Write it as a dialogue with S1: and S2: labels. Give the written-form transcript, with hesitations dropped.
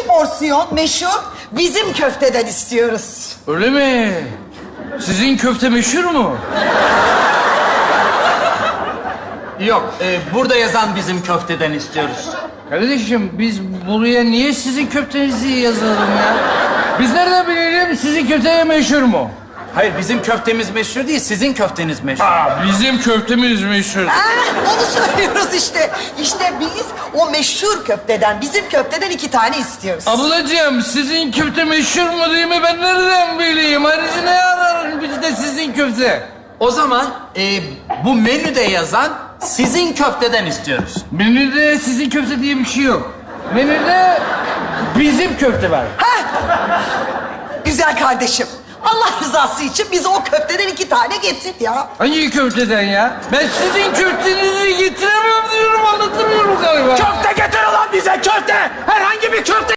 S1: porsiyon meşhur bizim köfteden istiyoruz.
S2: Öyle mi? Sizin köfte meşhur mu?
S3: Yok, burada yazan bizim köfteden istiyoruz.
S2: Kardeşim biz buraya niye sizin köftenizi yazalım ya? Biz nereden bilelim sizin köfte meşhur mu?
S3: Hayır, bizim köftemiz meşhur değil, sizin köfteniz meşhur.
S2: Bizim köftemiz meşhur.
S1: Onu söylüyoruz işte. İşte biz o meşhur köfteden, bizim köfteden 2 tane istiyoruz.
S2: Ablacığım sizin köfte meşhur mu değil mi? Ben nereden bileyim? Ayrıca ne ararım biz de sizin köfte?
S3: O zaman bu menüde yazan sizin köfteden istiyoruz.
S2: Menüde sizin köfte diye bir şey yok. Menüde bizim köfte var.
S1: Güzel kardeşim. Allah rızası için bize o köfteden 2 tane getir ya.
S2: Hangi köfteden ya? Ben sizin köftenizi getiremiyorum diyorum, anlatamıyorum galiba.
S3: Köfte getir ulan bize köfte! Herhangi bir köfte